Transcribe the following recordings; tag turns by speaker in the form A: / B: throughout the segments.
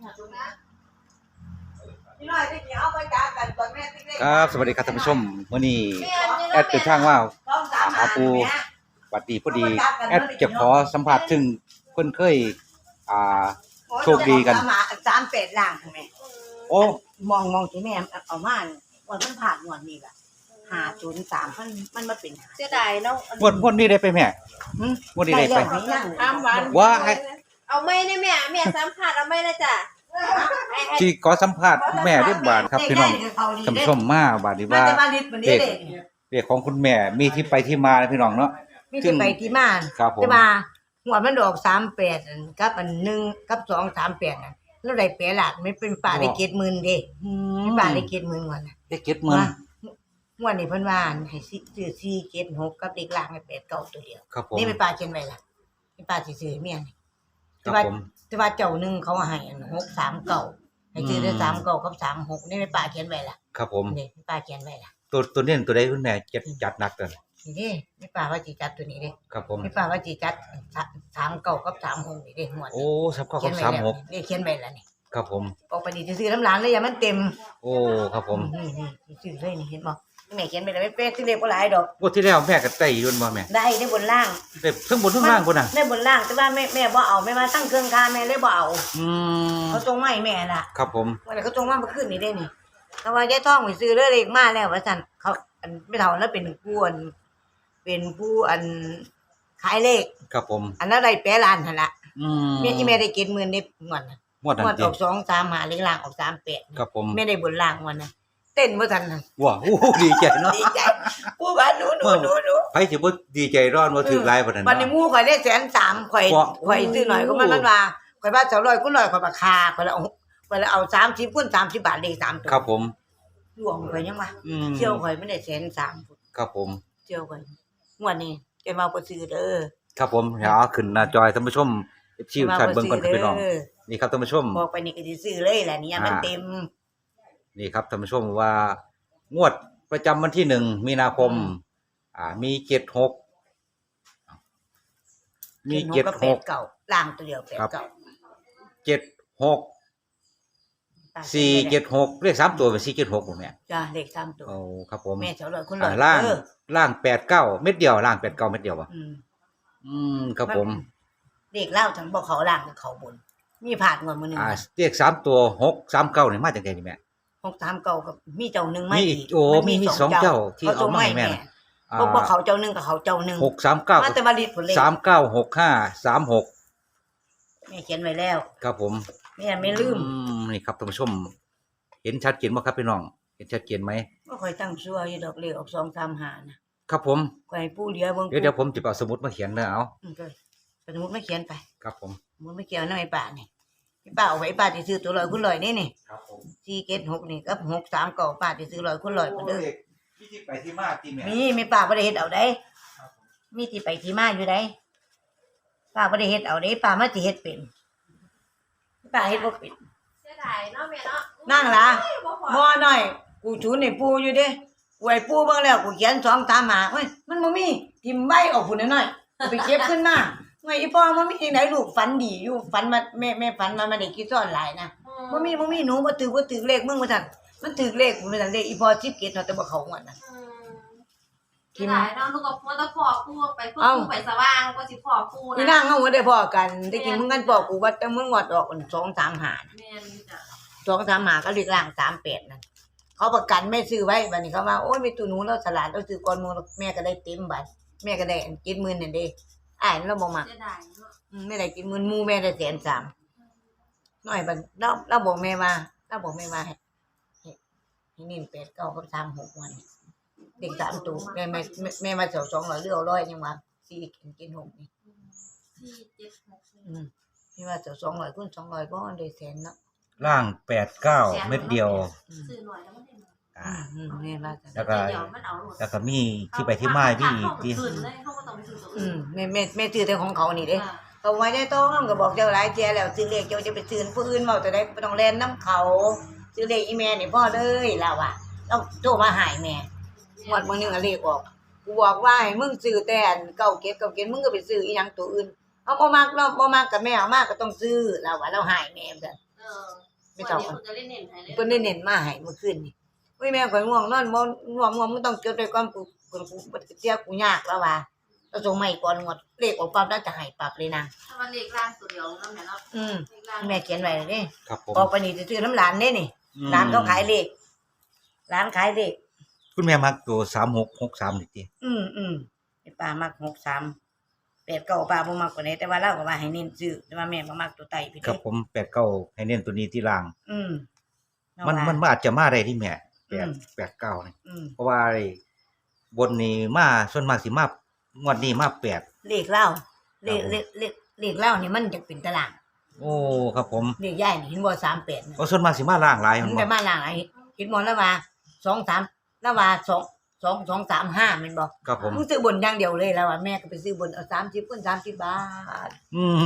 A: ครับสวัสดีครับท่านผู้ชมมื้อนี้แอดเดินทางมาหาปูบัดดีพอดีแอดจะขอสัมภาษณ์ถึงเพิ่นเคยอ่าโชคดีกัน
B: 38ล้านค่ะแม่
A: โอ้
B: มองที่แม่เอามาวันมันผ่านงวดนี้ล่ะ503มันมาเป็น
C: เสียดายเนาะ
A: งวดนี้ได้ไปแม่งวดนี้ได้ไปว่า
C: เอาไม่ได้แม่สัมผัสเอาไม่นะจ้ะ
A: ที่ขอสัมภาษณ์แม่เรียบบาดครับพี่น้องท่านผู้ชมมาบาดนี้ว่าเด็กของคุณแม่มีที่ไปที่มาพี่น้องเนาะ
B: มีที่ไปที่มาแต่ว่าหัวมันดอก38กับอัน1กับ238นั่นแล้วได้8ล้านไม่เป็นป่าได้70,000เด้ป่าได้70,000ก่อนน่ะ
A: ได้70,000
B: งวดนี้เพิ่นว่าให้ซื้อ476กับเด็กล่างให้89ตัวเดียวนี่เป็นป่าเขียนไว้ล่ะเป็นป่าสิซื้อเมียนี่แต่ว่าเจ้านึงเขาให้639ให้ซื้อได้39กับ36นี่เป็นป่าเขียนไว้ล่ะ
A: ครับผม
B: นี่เป็นป่าเขียนไว้ล่ะ
A: ตัวนี้ตัวใดคุณแม่จัดหนักเด้อ
B: นี่เด้ไม่ป่าว่าสิจัดตัวนี้เด้
A: ครับผม
B: ไม่ป่าว่าสิจัด39กับ36นี่เด้งวด
A: โอ้39กับ36
B: นี่เขียนไว้แล้วนี่
A: ครับผม
B: ออกไปนี่ซื้อน้ำหลานเลยอย่ามันเต็ม
A: โอ้ครับผม
B: นี่ซื้อเลยนี่เห็นบ่แม่เขียนไปแล้วไม่เป๊ะซื้อเลขบ่หลายดอก
A: งวดที่แล้วแม่ก็ได้อยู่บ่แม่
B: ได้บนล่าง
A: ได้ทั้งบนทั้งล่างพุ่นน่ะ
B: ได้บนล่างแต่ว่าแม่บ่เอาแม่มาตั้งเครื่องคาแม่เลยบ่เอาเขาส่งมาให้แม่น่ะ
A: ครับผม
B: วันนั้นเขาส่งมาเมื่อคืนนี้เด้นี่เขาว่ายายทองไปซื้อเลขมาแล้วว่าซั่นเขาอันไม่เท่านั้นเป็นผู้อันขายเลข
A: ครับผม
B: อันนั้นได้8ล้านหั่นน่ะแม่ที่แม่ได้70,000ได้งวดน่ะ
A: งวด
B: ออก235เลขล่างออก38
A: ครับผม
B: แม่ได้บนล่างวันน่ะเต้นบ่ทันน่ะ
A: ว้าวดีใจเนาะ
B: ดีใจผู้ว่าหนู
A: ไผสิบ่ดีใจร้อนบ่ถึกหลายปานนั้น
B: บัดนี้หมู่ข่อยได้130,000ข่อยซื้อหน่อยก็มันว่าข่อยว่า200คูณ100ข่อยราคาข่อยละเอา30คูณ30บาทเลข3ตัว
A: ครับผม
B: หลวงข่อยยังว่าเที่ยวข่อยมันได้130,000
A: ครับผม
B: เที่ยวข่อยงวดนี้แกมาบ่ซื้อเด้อ
A: ครับผมเดี๋ยวขึ้นหน้าจอท่านผู้ชมชิวท่านเบิ่งก่อนครับพี่น้องนี่ครับท่านผู้ชม
B: บอกไปนี่ก็สิซื้อเลยแหละนี่มันเต็ม
A: นี่ครับท่านผู้ชมว่างวดประจำวันที่1มีนาคมมี76มี76
B: ล่างตัวเดียว89
A: 76 476เลข3ตัวเป็น476บ่แม่
B: จ้ะเลข3ตัว
A: โอ้ครับผม
B: แม่200คูณ
A: 100ล่าง89เม็ดเดียวล่าง89เม็ดเดียวบ่ครับผม
B: เลขเล่าทั้งบ่เขาล่างเขาบนมีผ่านงวดมื้อนึง
A: เลข3ตัว639นี่มาจากไหนนี่แม่
B: 639กับมีเจ้านึงมาอีก
A: โอ้มี2เจ้าที่เอามาให้แม่
B: บ่เขาเจ้านึงกับเขาเจ้านึง
A: 639
B: มาแต่มาลิดผลเลข
A: 396536
B: แม่เขียนไว้แล้ว
A: ครับผม
B: แม่ไม่ลืม
A: นี่ครับท่านผู้ชมเห็นชัดเจนบ่ครับพี่น้องเห็นชัดเจนมั้ย
B: บ่ค่อยตั้งชั่วอยู่ดอกเลขออก235
A: นะครับผม
B: ข่อยปู่เหลือเบิ่ง
A: เดี๋ยวผมสิเอาสมุดมาเขียนเด้อเอา
B: สมุดมาเขียนไป
A: ครับผม
B: สมุดมาเขียนนำไอ้ป้านี่พี่ป้าเอาไว้ป้าสิซื้อตัว100คูณ100นี่
A: ครับผม
B: 476นี่กับ639ป้าสิซื้อ100คูณ100เด้อ
A: มีที่ไปที่มาติแม่
B: มีป้าบ่ได้เฮ็ดเอาได้มีที่ไปที่มาอยู่ได้ป้าบ่ได้เฮ็ดเอาได้ป้ามาสิเฮ็ดเป็นป้าเฮ็ดบ่เป็น
C: เสียดายเนาะแม่เนาะ
B: นั่งล่ะบ่น้อยกูจูนให้ปู่อยู่เด้กูให้ปู่เบิ่งแล้วกูเขียน235เฮ้ยมันบ่มีทิ่มใบออกพุ่นน้อยๆไปเก็บขึ้นมาไว้อีพ่อมันมีจังได๋ลูกฝันดีอยู่ฝันมาแม่ฝันมาได้กี่ซ้อนหลายนะบ่มีหนูบ่ถือเลขมึงว่าซั่นมันถือเลขกูว่าซั่นเลขอีพ่อ17เนาะแต่บ่เข้างวดน่ะ
C: ที่ไหนเนาะลูกกับมันตะพอกูไปพวกกูไปสว่างก็สิพอกูนะ
B: นี่นางเฮาบ่ได้พอกันได้กินมึงกันพอกูว่าแต่มึงงวดออก235
C: แม่นจ้ะ
B: 235ก็เลขล่าง38นั่นเขาประกันแม่ซื้อไว้บัดนี้เขาว่าโอ๊ยแม่ตู่หนูเราฉลาดเราซื้อก่อนมึงแม่ก็ได้เต็มบัดแม่ก็ได้70,000นั่นเด้อ้ายเราบ่มัก
C: เสียดายเนาะ
B: ไม่ได้70,000หมู่แม่ได้130,000น้อยบัดเราบอกแม่ว่าให้นิ่ม89กับ36วันเด็ก3ตัวแม่มาเจ้า200เหลือ100ยังว่า476นี่
C: 476
B: พี่ว่าเจ้า200คูณ200บ่ได้แสนเนาะ
A: ล่าง89เม็ดเดียว
C: ซื้อหน่อยแล้วมันได้
B: แม่ว่า
A: แล้วก็มีที่ไปที่มาพี่ที่
B: แม่ซื้อแต่ของเขานี่เด้เขาไว้ได้ต้องก็บอกเจ้าหลายเที่ยแล้วซื้อเลขเจ้าจะไปซื้อผู้อื่นเว้าแต่ได้บ่ต้องแล่นนำเขาซื้อเลขอีแม่นี่พ่อเลยล่ะว่าต้องโทรมาหาแม่งวดมื้อนึงเลขออกกูบอกว่าให้มึงซื้อแต่อัน97มึงก็ไปซื้ออีหยังตัวอื่นเอาบ่มักเนาะบ่มักก็แม่เอามาก็ต้องซื้อล่ะว่าเราหายแม่ซั่น
C: ไม่ต้องจะเล่นเน้นให้เลย
B: เพิ่นได้เน้นมาให้เมื่อคืนนี่อุ้ยแม่ข่อยง่วงนอนบ่ง่วงมึงต้องจดไว้ก่อนกูบ่เสียกูยากแล้วว่าต้องส่งมาให้ก่อนงวดเลขออกปั๊บแล้วจะให้ปรับเลยนาง
C: ถ้ามันเลขล่างตัวเดียวแล้วแม่เนาะ
B: แม่เขียนไว้แล้วเด้
A: ครับผม
B: ออกไปนี่จะซื้อน้ำหลานเด้นี่ร้านเขาขายเลขร้านขายเลข
A: คุณแม่มักตัว3663นี่ติ
B: ไอ้ป้ามัก63 89ป้าบ่มักกว่านี้แต่ว่าเราก็ว่าให้เน้นซื้อแต่ว่าแม่บ่มักตัวไตพี่
A: ครั
B: เด้
A: บผม89ให้เน้นตัวนี้ที่ล่าง
B: เรา
A: มัน
B: ว่า
A: อาจจะมาได้ที่แม่89นี่ เพราะว่าไอ้บนนี้มาส่วนมากสิมางวดนี้มา8
B: เลขเล่าเลขเล่านี่มันจะเป็นตาราง
A: โอ้ครับผม
B: เลขใหญ่นี่เห็นบ่38นะ
A: ก็ส่วนมากสิมาล่างหลาย
B: มั
A: มัน น
B: ไป
A: บ่
B: มาหลางไอ้เห็นบ่แล้วว่า2 3แล้วว่า2 2 3 5แม่นบ่
A: ครับผม
B: มึงซื้อบนอย่างเดียวเลยแล้วว่าแม่ก็ไปซื้อบนเอา30คูณ30 บาท
A: อืม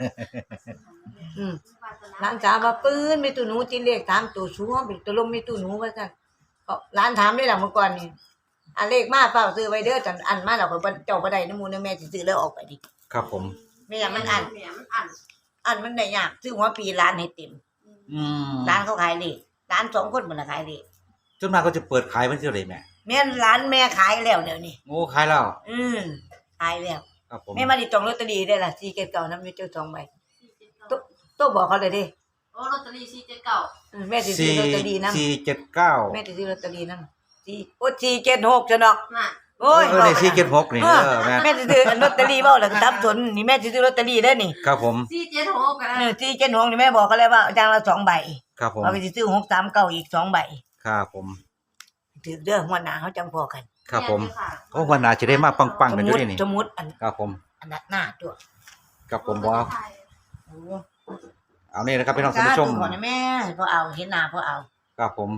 B: หลานสาวว่าปื้นมีตู้หนูที่เลข3ตัวชัวร์เป็นตัวลมมีตู้หนูว่าซั่นก็หลานถามได้ล่ะเมื่อก่อนนี่อันเลขมาเปล่าซื้อไว้เด้อจันอันมาแล้วก็เจ้าบ่ได้นำหมู่นำแม่สิซื้อแล้วออกไปดิ
A: ครับผม
B: แม่อยากมันอัน
C: มันอัน
B: อันมันได้ยากซื้อหัวปีร้านให้เต็ม
A: อืม
B: ร้านเขาขายเลขร้าน2คนบ่ล่ะขายเลข
A: ส่วนมากก็จะเปิดขายวันที่เท่าไหร่แม่
B: แม่นร้านแม่ขายแล้วเดี๋ยวนี้
A: โอ้ขายแล้ว
B: ขายแล้ว
A: ครับผม
B: แม่มาดิจองลอตเตอรี่ได้ล่ะ4เกตเก่านํอยู่เจ้า2ใบโตบอกเขาเลยเด้
C: โอ้ลอตเตอรี่479
B: แม่สิซื้อลอตเตอรี่นำ
A: 479
B: แม่สิซื้อลอตเตอรี่นำ4โอ้476จังดอก
C: น่ะ
B: โอ้ย
A: ใน476นี่แม่
B: แม่สิซื้อลอตเตอรี่เว้าแล้วก็ทับสนนี่แม่สิซื้อลอตเตอรี่ได้นี่
A: ครับผม
C: 476กันนะ
B: 476นี่แม่บอกเขาเลยว่าจังละ2ใบ
A: ครับผม
B: เอาไปสิซื้อ639อีก2ใบ
A: ครับผม
B: ถือเด้อหัวหน้าเฮาจังพอกัน
A: ครับผมโอ้วันหน้าจะได้มาปังๆกันอยู่นี่
B: สมมุติอัน
A: ครับผม
B: อันหน้าตัว
A: ครับผมบ่
B: โอ้
A: เอานี่นะครับพี่น้องท่านผู้ชม
B: ก่อนนะแม่พอเอาเห็นหน้าพอเอา
A: ครับผม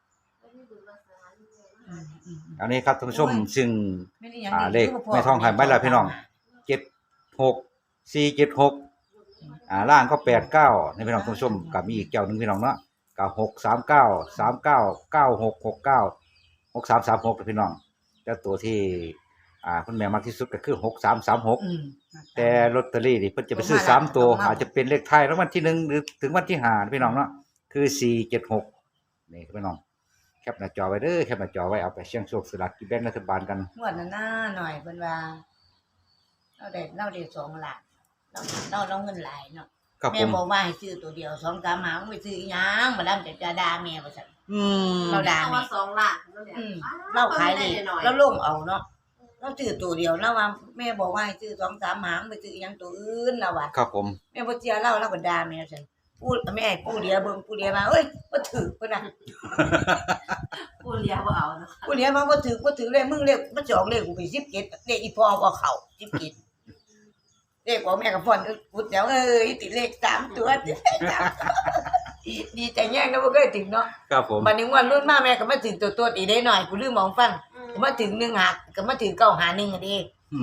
A: อันนี้ครับท่านผู้ชมซึ่ง
B: ไม่ได้หยัง
A: เลขแม่ทองหายไปแล้วพี่น้อง 76 476ล่างก็89นี่พี่น้องท่านผู้ชมก็มีอีกเจ้านึงพี่น้องเนาะก็639 39 9669 6336พี่น้องแต่ตัวที่คุณแม่มักที่สุดก็คือ6336แต่ลอตเตอรี่นี่เพิ่นจะไปซื้อ3ตัวอาจจะเป็นเลขท้ายรางวัลที่1หรือถึงวันที่5พี่น้องเนาะคือ476นี่พี่น้องแคปหน้าจอไว้เด้อแคปหน้าจอไว้เอาไปเสี่ยงโชคสลากกินแบ่งรัฐบาลกัน
B: งวดนั้นหน่อยเพิ่นว่าเราได้2ล้านเราเงินหลายเนาะ
A: ครับ
B: แม่
A: ผม
B: บอกว่าให้ซื้อตัวเดียว2 3หาไม่ซื้ออีหยังบ่แล้วจะด่าแม่ว่าซั่น เราด่า
C: เอาว่า2ล้านนั่นแหละ
B: เราขายดีเราลงเอาเนาะเราซื้อตัวเดียวแล้วว่าแม่บอกว่าให้ซื้อ2 3หางไปซื้ออีหยังตัวอื่นแล้วว่า
A: ครับผม
B: แม่บ่เชื่อเราก็ด่าแม่ซั่นพูดแม่ให้ผู้เดียวเบิ่งผู้เดียวมาเอ้ยบ่ถูกเพิ่นน่ะ
C: กูเลี้ยบ่เอานะ
B: ผู้เดียวมาบ่ถูกเลยมึงเลขมันสิออกเลขกูไป17เลขอีพ่อบ่เข้า17เลขของแม่ก็ฟ้อนพุดเดี๋ยวติดเลข3ตัวดีใจแย่งนะบ่เคยถึงเนาะ
A: ครับผม
B: บัดนี้วันรุ่นมาแม่ก็มาถึงตัวอีกได้หน่อยกูลืมมองฟังก็มาถึง1หาก็มาถึง9หา1อ่ะดิ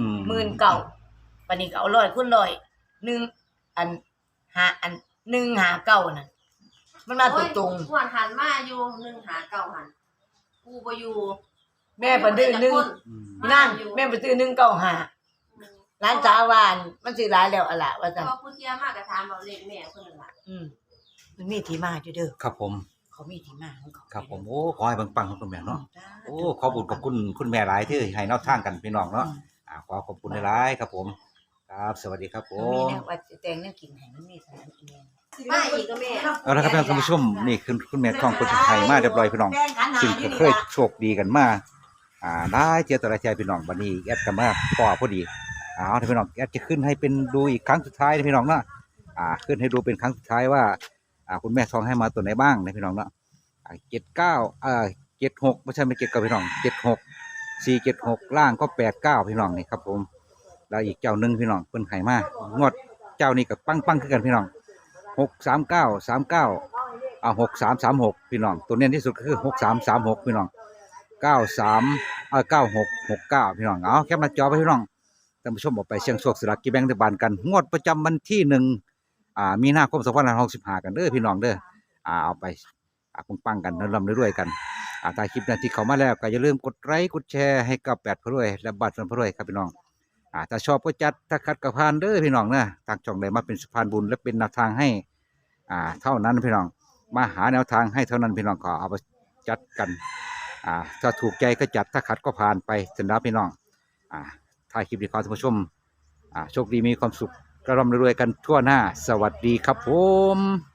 B: 19,000บัดนี้ก็เอา100คูณ100 1อัน5อัน1หา9นั่นมันมาตรง
C: หวนหันมาอยู่1หา9หันกูบ่อยู่
B: ๆแม่บ่ดื้อ1นั่นแม่บ่ซื้อ195ร้านสาวานมันสิหลายแล้วอะล่ะว่าซั่น
C: พอผู้เที่ยมากก็ถามเอาเลขแม่เพิ่นนั่นล่ะ
B: มันมีที่มาอยู่เด้อ
A: ครับผม
B: เขามีที่มาของเขา
A: ครับผมโอ้ขอให้ปังๆของคุณแม่เนาะโอ้ขอบุญขอบคุณคุณแม่หลายที่ให้แนวทางกันพี่น้องเนาะขอขอบคุณหลายๆครับผมครับสวัสดีครับผ
B: มี
A: ม
B: แนวว่าสิแต่งแนวกินให้มันมีสถานที่
C: มาอีกก็แม่
A: เอาละครับท่านผู้ชมนี่คือคุณแม่ทองคนไทยมาเรียบร้อยพี่น้องซึ่งก็เคยโชคดีกันมาได้เจอตัวละใจพี่น้องวันนี้แอดกันมาต่อพอดีเอาท่านพี่น้องแอดจะขึ้นให้เป็นดูอีกครั้งสุดท้ายนะพี่น้องเนาะขึ้นให้ดูเป็นครั้งสุดท้ายว่าคุณแม่ทองให้มาตัวไหนบ้างนะพี่น้องเนาะ76ไม่ใช่ไม่79พี่น้อง76 476ล่างก็89พี่น้องนี่ครับผมแล้วอีกเจ้านึงพี่น้องเพิ่นให้มางวดเจ้านี้ก็ปังๆคือกันพี่น้อง63939 6336พี่น้องตัวเน้นที่สุดก็คือ6336พี่น้อง9669พี่น้องเอาแคปหน้าจอไว้พี่น้องท่านผู้ชมออกไปเสี่ยงโชคสลากกินแบ่งรัฐบาลกันงวดประจำวันที่1มีนาคม2565กันเด้อพี่น้องเด้อเอาไปปังๆกันร่ำรวยๆกันถ้าคลิปนั้นที่เข้ามาแล้วก็อย่าลืมกดไลค์กดแชร์ให้กับ8พรวยและบัตรพรวยครับพี่น้องถ้าชอบก็จัดถ้าขัดก็ผ่านเด้อพี่น้องนะทางช่องได้มาเป็นสะพานบุญและเป็นแนวทางให้เท่านั้นพี่น้องมาหาแนวทางให้เท่านั้นพี่น้องก็เอาไปจัดกันถ้าถูกใจก็จัดถ้าขัดก็ผ่านไปสำหรับพี่น้องถ่ายคลิปดีขอท่านผู้ชมโชคดีมีความสุขกระร่ำรวยกันทั่วหน้าสวัสดีครับผม